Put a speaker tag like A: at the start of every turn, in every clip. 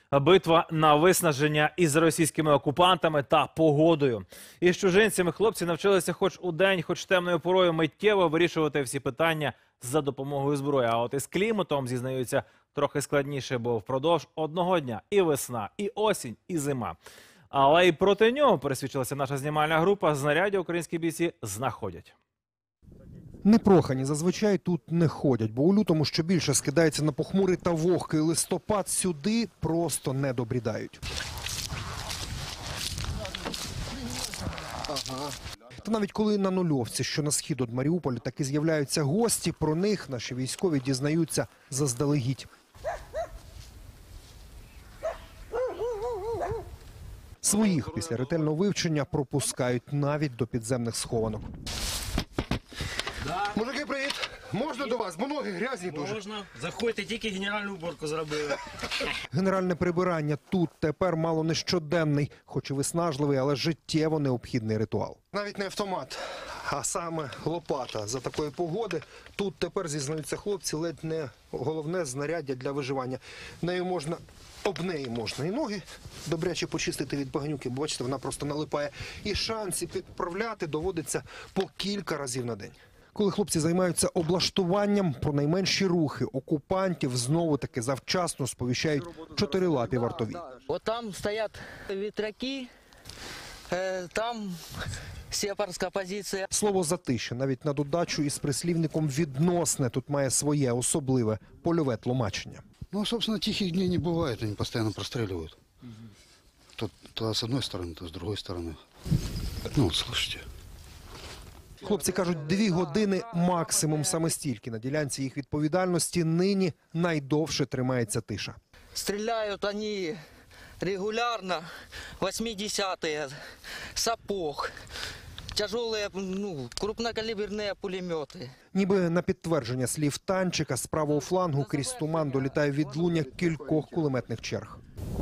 A: Битва на виснаження із російськими окупантами та погодою. Із чужинцями хлопці навчилися хоч удень, хоч темною порою миттєво вирішувати всі питання за допомогою зброї. А от із кліматом, зізнаються, трохи складніше, бо впродовж одного дня і весна, і осінь, і зима. Але й проти нього, пересвідчилася наша знімальна група, знаряддя українські бійці знаходять.
B: Непрохані зазвичай тут не ходять, бо у лютому що більше скидається на похмурий та вогкий листопад, сюди просто не добрідають. Та навіть коли на нульовці, що на схід від Маріуполя, таки з'являються гості, про них наші військові дізнаються заздалегідь. Своїх після ретельного вивчення пропускають навіть до підземних схованок.
C: Мужики, привіт! Можна до вас? Бо ноги грязні дуже.
D: Можна. Заходьте, тільки генеральну уборку зробили.
B: Генеральне прибирання тут тепер мало не щоденний, хоч і виснажливий, але життєво необхідний ритуал.
C: Навіть не автомат, а саме лопата. За такої погоди тут тепер, зізнаються хлопці, ледь не головне знаряддя для виживання. Об неї можна і ноги добряче почистити від багнюки, бо бачите, вона просто налипає. І шанси підправляти доводиться по кілька разів на день.
B: Коли хлопці займаються облаштуванням, про найменші рухи окупантів знову-таки завчасно сповіщають чотирилапі вартові.
E: Вот там стоят ветряки, там сепарська позиція.
B: Слово «затища» навіть на додачу із прислівником «відносне» тут має своє особливе польове тлумачення.
F: Ну, собственно, тихих дней не бывает, они постоянно простреливают. То с одной стороны, то с другой стороны. Ну, вот, слушайте.
B: Хлопці кажуть, 2 години максимум, саме стільки. На ділянці їх відповідальності нині найдовше тримається тиша.
E: Стріляють вони регулярно, 80-е, сапог, тяжелые, крупнокаліберні пулемети.
B: Ніби на підтвердження слів танчика, з правого флангу крізь туман долітає відлуння кількох кулеметних черг.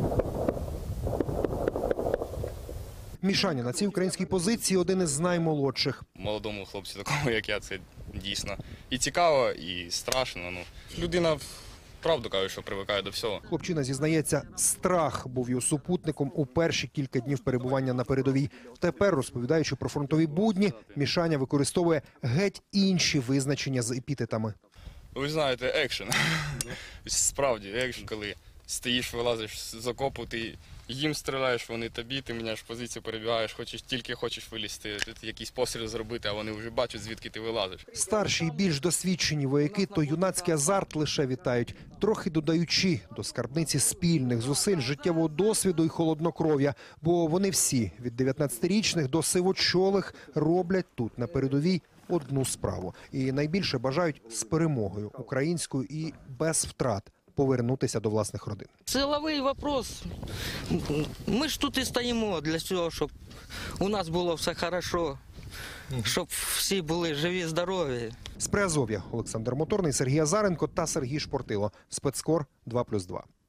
B: Мішаня на цій українській позиції один із наймолодших.
G: Молодому хлопцю, такому як я, це дійсно і цікаво, і страшно. Людина, правду каже, що привикає до всього.
B: Хлопчина зізнається, страх був його супутником у перші кілька днів перебування на передовій. Тепер, розповідаючи про фронтові будні, Мішаня використовує геть інші визначення з епітетами.
G: Ви знаєте, екшен. Справді, екшен, коли стоїш, вилазиш з окопу, ти їм стріляєш, вони тобі, ти міняєш позицію, перебігаєш, тільки хочеш вилізти, якийсь постріл зробити, а вони вже бачать, звідки ти вилазиш.
B: Старші і більш досвідчені вояки то юнацький азарт лише вітають, трохи додаючи до скарбниці спільних зусиль, життєвого досвіду і холоднокров'я. Бо вони всі, від 19-річних до сивочолих, роблять тут на передовій одну справу. І найбільше бажають з перемогою українською і без втрат повернутися до власних родин.
E: Силовий вопрос. Ми ж тут і стоїмо для цього, щоб у нас було все хорошо, щоб всі були живі, здорові.
B: З Приазов'я Олександр Моторний, Сергій Азаренко та Сергій Шпортило. Спецкор 2+2.